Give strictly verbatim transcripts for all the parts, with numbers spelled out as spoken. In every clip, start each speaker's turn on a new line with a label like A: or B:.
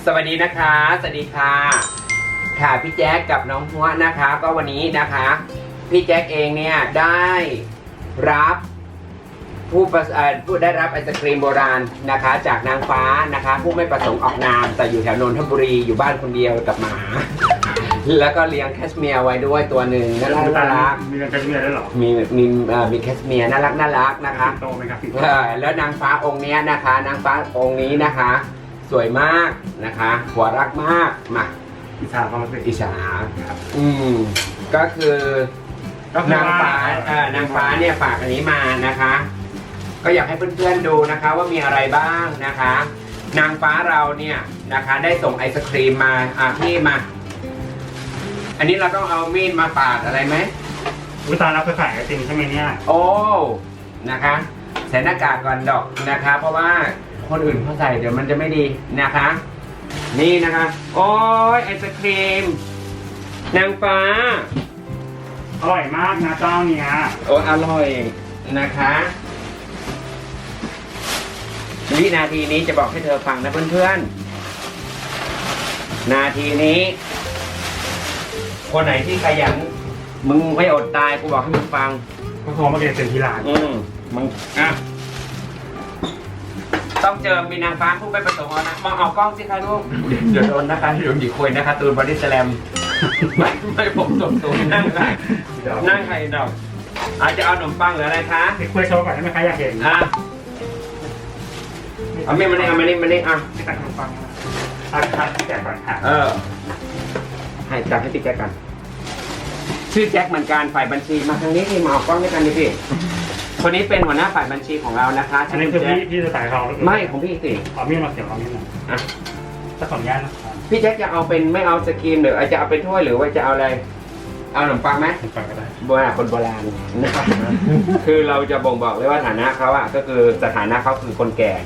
A: สวัสดีนะคะสวัสดีค่ะค่ะพี่แจ๊คกับน้องหัวนะคะก็วันนี้นะคะพี่แจ๊คเองเนี่ยได้รับผู้ผู้ได้รับไอศครีมโบราณนะคะจากนางฟ้านะคะผู้ไม่ประสงค์ออกนามแต่อยู่แถวนนทบุรีอยู่บ้านคนเดียวกับหมาแล้วก็เลี้ยงแคชเมียร์ไว้ด้วยตัวหนึ่งน่ารักน่ารัก
B: มีแคชเมียร์ด้วยหรอ
A: มีมีมีแคชเมียร์น่ารักน่ารักนะคะ
B: โตไหมครับ
A: แล้วนางฟ้าองค์นี้นะคะนางฟ้าองค์นี้นะคะสวยมากนะคะหัวรักมากมา
B: อิชาเขาเป็น
A: อิชาอืมก็คือนางฟ้าเอ่อนางฟ้าเนี่ยฝากอันนี้มานะคะก็อยากให้เพื่อนๆดูนะคะว่ามีอะไรบ้างนะคะนางฟ้าเราเนี่ยนะคะได้ส่งไอศครีมมาอ่ะพี่มาอันนี้เราต้องเอามีดมาปาดอะไรไหม
B: วิตารับไปขายไอติมใช่ไหมเนี่ย
A: โอ้นะคะใส่หน้ากากก่อนดอกนะคะเพราะว่าคนอื่นเขาใส่เดี๋ยวมันจะไม่ดีนะคะนี่นะคะโอ้ยไอศครีมนางฟ้า
B: อร่อยมากนะเจ้าเนี่ย
A: โอ้อร่อยนะคะวินาทีนี้จะบอกให้เธอฟังนะเพื่อนๆนาทีนี้คนไหนที่ขยันมึงไม่อดตายกูบอกให้มึงฟัง
B: ก็โทรมาเก็บเต็มที่ร้าน
A: อืมมึงอ่ะต้องเจอมีนางฟ้าผู้ไม่ประสงค์นะมองเอากล้องสิคะลูกเดี๋ยวโดนนะคะเดี๋ยวหยิบคุยนะคะตูนบอดี้สแลมไม่ไม่ผมสมตูนนั่งค่ะนั่งใครดอกอาจจะเอาขนมปังหรืออะไรคะ
B: ไปคุยโชว์ก่อนได้ไหมคะอยากเห็น
A: อ่ะเอาไม่มานี่เอามานี่มานี่อ่ะ
B: ไปตัดขนมปังอ่ะตัดพี่แจ็คก่อนค่ะ
A: เออให้จัดให้พี่แจ็คกันชื่อแจ็คเหมือนกันฝ่ายบัญชีมาทางนี้ที่มาเอากล้องด้วยกันดิพี่คนนี้เป็นหัวหน้าฝ่ายบัญชีของเรานะคะ
B: อันนี้คือพี่พี่จะถ่ายเขา
A: ไม่ของพี่สิ
B: เอามีดมาเสียบเอามีดมาอ่ะจะขออนุญาตนะ
A: พี่แจ็คจะเอาเป็นไม่เอาสกรีมหรือจะเอาเป็นถ้วยหรือว่าจะเอาอะไรเอาขนมปังไหม
B: ขนมปังก็ได้
A: โบราณคนโบราณนะครับคือเราจะบ่งบอกเลยว่าฐานะเขาอะก็คือสถานะเขาคือคนแก่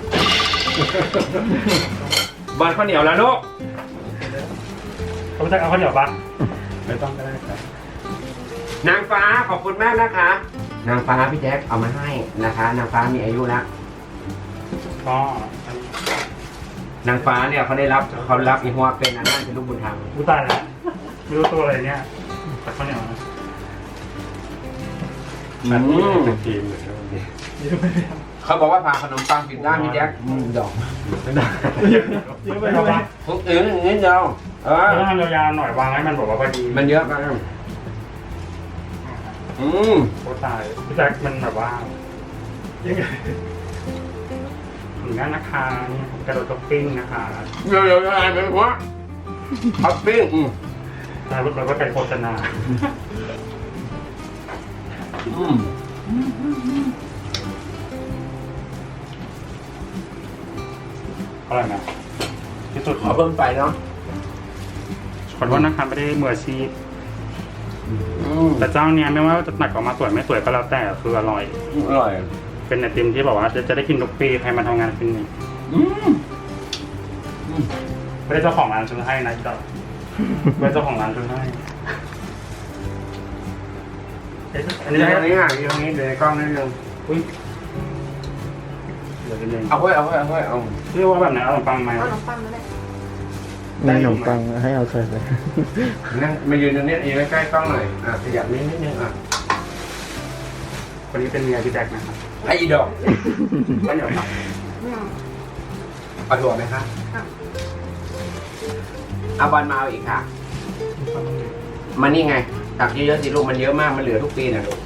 A: บอลข้าวเหนียวแล้วลูก
B: เขาจะเอาข้าวเหนียวปะไม่ต้องก็ได้ครับ
A: นางฟ้าขอบคุณมากนะคะนางฟ้าพี่แจ็คเอามาให้นะคะนางฟ้ามีอายุแล้ว
B: ก็
A: นางฟ้าเนี่ยเขาได้รับเขารับอีหัวเป็นอันนั้นเป็นลูกบุญธรรม
B: รู้ตายแล้วไม่รู้ตัวอะไรเนี่ยแต่ข้าวเหนียวนะ
A: อืมเขาบอกว่าพาขนมปังผิดด้านพี่แจ็คดอกไม่ได้
B: เยอะไปหรอวะ
A: พวกอื่นนิดเดียวเออ
B: ถ้าทำยาวๆหน่อยวางให้มันบอกว่าพอดี
A: มันเยอะไปอืม
B: โคตรตายพี่แจ็คมันแบบว่ายังไงถึงนั้นนะคะนี่กระโดดท็อปปิ้งนะคะ
A: เดี๋ยวเดี๋ยวอะไรเป็นวะท็อปปิ้งอืม
B: แล้วเราก็ไปโฆษณา
A: อืม
B: อร่อยไหมที่สุด
A: ขอเพิ่มไปเนาะ
B: ขอโทษนะคะไม่ได้มืออาชีพแต่เจ้าเนี้ยไม่ว่าจะหนักออกมาสวยไม่สวยก็แล้วแต่คืออร่อย
A: อร่อย
B: เป็นไอติมที่บอกว่าจะจะได้กินทุกปีใครมาทำงานเป็นนี่ไม่ได้เจ้าของร้านซื้อให้นะจ๊ะไม่ได้เจ้าของร้านซื้อให้อันนี้
A: อันนี้อ่ะตรงนี้เดี๋ยวกล้องนิดนึง
B: อุ้ยเดี๋ยวนิดนึง
A: เอาไว้เอาไว้เอาไว้เอา
B: เรียกว่าแบบไหนเอาขนมปังไหม
C: เอาขนมปังนั่นแหละ
D: ได้ขนมปังให้เอาใส่ไป
A: นั่งมายืนตรงนี้ยืนใกล้ๆกล้องหน่อยอ่ะขยับนิดนิดนึงอ่ะ
B: คนนี้เป็นเมียพี่แจ็คนะครับ
A: ไอ้ดอก
B: ไม่เหนียวครับ
A: เอาถั่วไหมคะเอาบอลมาเอาอีกค่ะมันนี่ไงตักเยอะๆสิลูกมันเยอะมากมันเหลือทุกปีนะลูก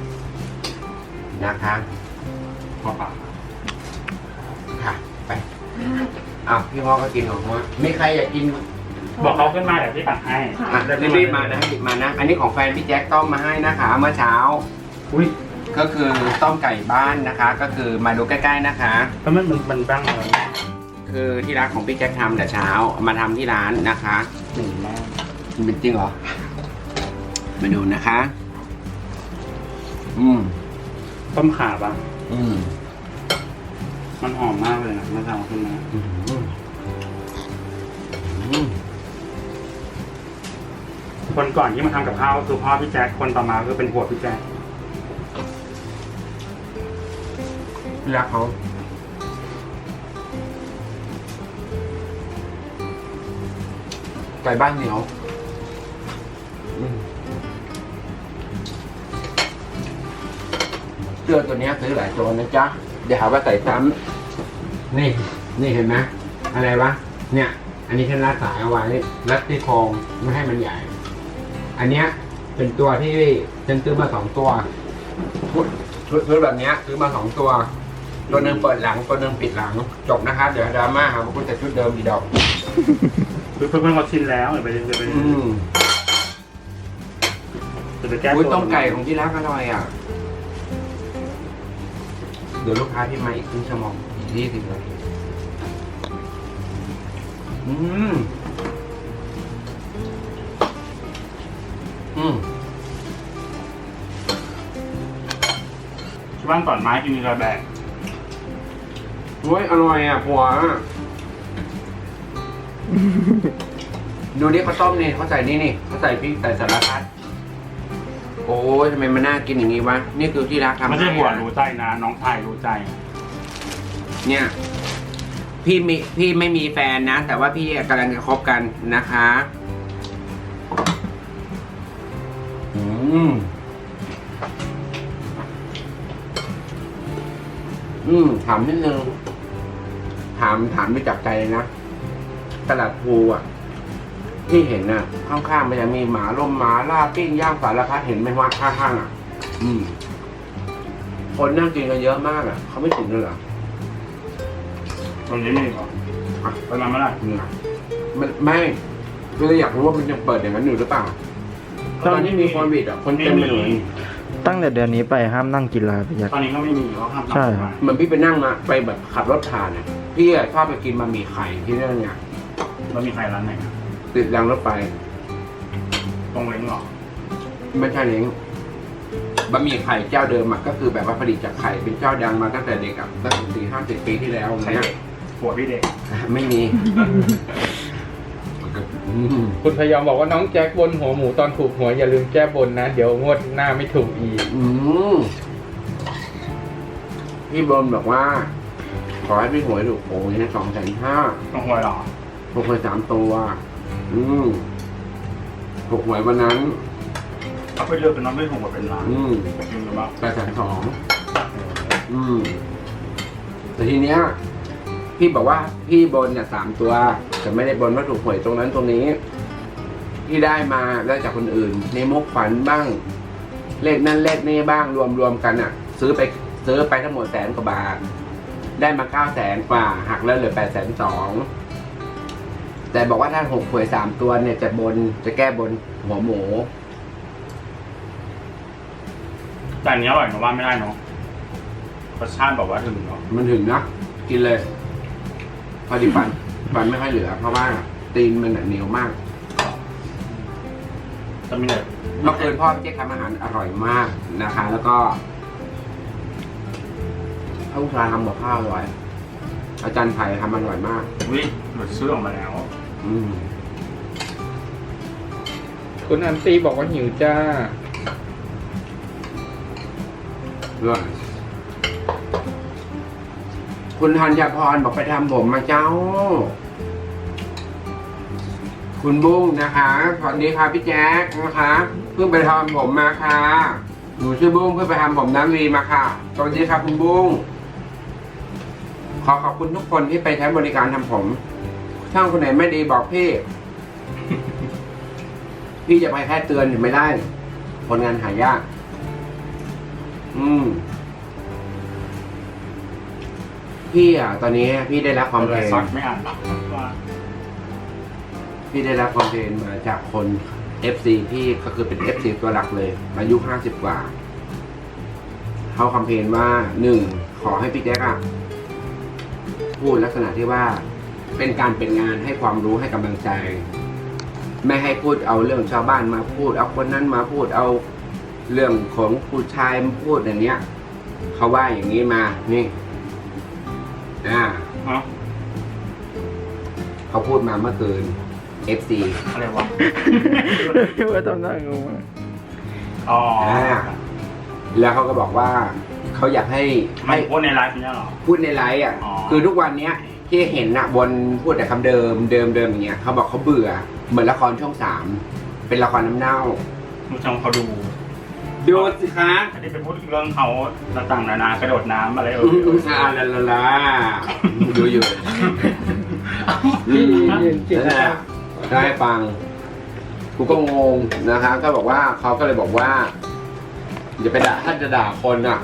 A: นะคะ
B: พอปาก
A: ค่ะไปอ้าวพี่มอก็กินของมอมีใครอยากกิน
B: บอกเขาขึ้นมาเดี๋ยวพี่ตักให้
A: อ่ะรีบๆมานะรีบมานะอันนี้ของแฟนพี่แจ็คต้มมาให้นะคะเมื่อเช้า
B: อุ้ย
A: ก็คือต้มไก่บ้านนะคะ ก็คือมาดูใกล้ๆนะคะ
B: แล้วมันมันบ้างเลย
A: คือที่ร้านของพี่แจ็คทำแต่เช้ามาทำที่ร้านนะคะ
B: หนึ่งมาก
A: มันเป็นจริงเหรอมาดูนะคะอืม
B: ต้มข่าปะ
A: อืม
B: มันหอมมากเลยนะเมื่อเช้าขึ้นมาคนก่อนที่มาทำกับข้าวคือพ่อพี่แจ็คคนต่อมาคือเป็นผัวพี่แจ็ค
A: รักเขาไก่บ้านเหนียวอืมเสื้อตัวเนี้ยซื้อหลายตัวนะจ๊ะเดี๋ยวหาว่าใส่ซ้ำนี่ นี่เห็นไหมอะไรวะ เนี่ย อันนี้ฉันรัดสายเอาไว้รัดที่โครงไม่ให้มันใหญ่ อันเนี้ยเป็นตัวที่ฉันซื้อมาสองตัวชุดชุดชุดแบบเนี้ยซื้อมาสองตัว ตัวหนึ่งเปิดหลังตัวหนึ่งปิดหลังจบนะครับเดี๋ยวดราม่าหาว่าคุณจะชุดเดิมดีดอก
B: เพื่อนๆเขาชินแล้วเดี๋ยวไปเดี๋ยวไป
A: อืม
B: เดี๋ยวไปแก้
A: อุ้ย
B: ตัว
A: ต้มไก่ของที่ร้านอร่อยอ่ะ เดี๋ยวลูกค้าที่มาอีกครึ่งชั่วโมงอีกยี่สิบนาทีอืม อืม
B: ที่บ้านก่อนไม้กินมีระแบก
A: โอ้ยอร่อยอ่ะผัว ดูนี่เขาต้มนี่เขาใส่นี่นี่เขาใส่พริกใส่สารพัดโอ้ยทำไมมันน่ากินอย่างนี้วะ นี่คือที่รักทำ
B: ไม่ใช่หัว
A: ให้อะ
B: รู้ใจนะ น้องชายรู้ใจ
A: เนี่ย พี่มีพี่ไม่มีแฟนนะ แต่ว่าพี่กำลังจะคบกันนะคะ อืม อืม ถามนิดนึง ถามถามด้วยจากใจเลยนะ ตลาดภูอ่ะ ที่เห็นน่ะ ข้างๆมันจะมีหมาล่มหมาล่าปิ้งย่างสารพัดเห็นไหมว่าข้างๆอ่ะ อืม คนนั่งกินกันเยอะมากอ่ะ เขาไม่ถึงเลยเหรอ
B: ตรงนี้มีเหรออ่ะไปมาเมื่อไหร่
A: เนี่ยมันไม่คืออยากรู้ว่ามันยังเปิดอย่างนั้นอยู่หรือเปล่าตอนนี้มีโควิดอ่ะ คนเต็มไปหมด
D: ตั้งแต่เดือนนี้ไปห้ามนั่งกินลาไปยัก
B: ตอนนี้ก็ไม่มีเขาห้าม
D: ใช่ครับ
A: เหมือนพี่ไปนั่งมาไปแบบขับรถผ่านเนี่ยพี่อะชอบไปกินบะหมี่ไข่ที่นั่นเนี่ย
B: มันมีใครร้านไหนอะ
A: ติดรางรถไฟ
B: ตรงเล้งเหรอ
A: ไม่ใช่เล้งบะหมี่ไข่เจ้าเดิมอะก็คือแบบว่าผลิตจากไข่เป็นเจ้าดังมาตั้งแต่เด็กอะตั้งแต่สี่ห้าสิบปีที่แล้ว
B: ใคร
A: เนี่ย
B: เด็กผัวพี่เด็ก
A: ไม่มีอืม
C: คุณพยอมบอกว่าน้องแจ็คบนหัวหมูตอนถูกหัวยอย่าลืมแก้บนนะ เดี๋ยวงวดหน้าไม่ถูกอีก
A: อืมพี่บอมบอกว่า ขอให้พี่หวยถูกโอ้ยสองแสนห้า
B: ต้องหวยเหรอ
A: ถูกหวยสามตัว อืมถูกหวยวันนั้น
B: เขาไปเลือกเป็นน้องไม่ถูกกว่าเป็นร้าน
A: อืม
B: จริงหรือเปล่า
A: แปดแสนสอง อืม แต่ทีเนี้ย พี่บอกว่าพี่บนเนี่ยสามตัว แต่ไม่ได้บนว่าถูกหวยตรงนั้นตรงนี้ ที่ได้มาได้จากคนอื่น ในมุกฝันบ้าง เลขนั่นเลขนี่บ้างรวมรวมกันอ่ะ ซื้อไปซื้อไปทั้งหมดแสนกว่าบาท ได้มาเก้าแสนกว่า หักแล้วเหลือแปดแสนสองแต่บอกว่าถ้าหกหวยสามตัวเนี่ยจะบนจะแก้บนหัวหมู
B: แต่อันนี้อร่อยนะว่าไม่ได้เนาะรสชาติบอกว่าถึงเนาะ
A: มันถึงนะกินเลย พอดีฟันฟันไม่ค่อยเหลือ เพราะว่าตีนมันน่ะเหนียวมาก
B: จะมีแต่
A: เมื่อคืนพ่อพี่เจ๊ทำอาหารอร่อยมากนะคะ แล้วก็ข้าวชาทำกับข้าวอร่อย อาจารย์ไผ่ทำอร่อยมาก
B: วิหลุดชื่อออกมาแล้ว
A: อืม
C: คุณอันตีบอกว่าหิวจ้า
A: อร่อยคุณธัญพรบอกไปทำผมมาเจ้า คุณบุ้งนะคะสวัสดีค่ะพี่แจ๊คนะคะเพิ่งไปทำผมมาค่ะหนูชื่อบุ้งเพิ่งไปทำผมน้ำวีมาค่ะสวัสดีครับคุณบุ้งขอขอบคุณทุกคนที่ไปใช้บริการทำผมช่างคนไหนไม่ดีบอกพี่ พี่จะไปแค่เตือนถึงไม่ได้ผลงานหายาก อืม พี่อ่ะ ตอนนี้พี่ได้รับความเพล
B: ซอสไม่อ่านหรอกว่า
A: พี่ได้รับความเพลงมาจากคน เอฟ ซี ที่ก็คือเป็น เอฟ ซี ตัวหลักเลยอายุห้าสิบกว่าเขาคำเพลงว่าหนึ่งขอให้พี่แจ๊คอะพูดลักษณะที่ว่า เป็นการเป็นงานให้ความรู้ให้กำลังใจ ไม่ให้พูดเอาเรื่องชาวบ้านมาพูด เอาคนนั้นมาพูดเอาเรื่องของผู้ชายมาพูดอย่างเนี้ยเขาว่าอย่างนี้มานี่อ่า
B: ฮะ
A: เขาพูดมาเมื่อคืน เอฟ ซี
B: อะไรวะ
D: ว่าทำหน้างงมาก
B: อ๋อ
A: แล้วเขาก็บอกว่าเขาอยากให้
B: ไม่
A: ให้
B: พูดในไลฟ์เนี่ยหรอ
A: พูดในไลฟ์อ่ะ
B: อ๋อ
A: คือทุกวันเนี้ยที่เห็นนะบนพูดแต่คำเดิมเดิมเดิมอย่างเงี้ยเขาบอกเขาเบื่อเหมือนละครช่องสามเป็นละครน้ำเน่า
B: ผู้ชมเขาดู
A: ดูสิคะ
B: อันนี้เป็นพูดเรื่องเขาต่างๆนานากระโดดน้ำอะไรเอ
A: อื
B: อ
A: มอ่าลาลาลาดูอยู่
C: พี่ยืนจิต
A: นั่น
C: นะ
A: แหละได้ฟังกูก็งงนะคะก็บอกว่าเขาก็เลยบอกว่าอย่าไปด่าถ้าจะด่าคนอ่ะ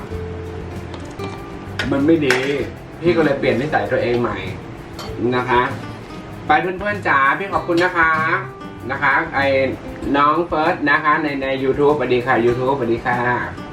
A: มันไม่ดี พี่ก็เลยเปลี่ยนนิสัยตัวเองใหม่นะคะ ไปเพื่อนๆจ๋าพี่ขอบคุณนะคะนะคะ ไอ้น้องเฟิร์สนะคะ ในใน YouTube สวัสดีค่ะ YouTube สวัสดีค่ะ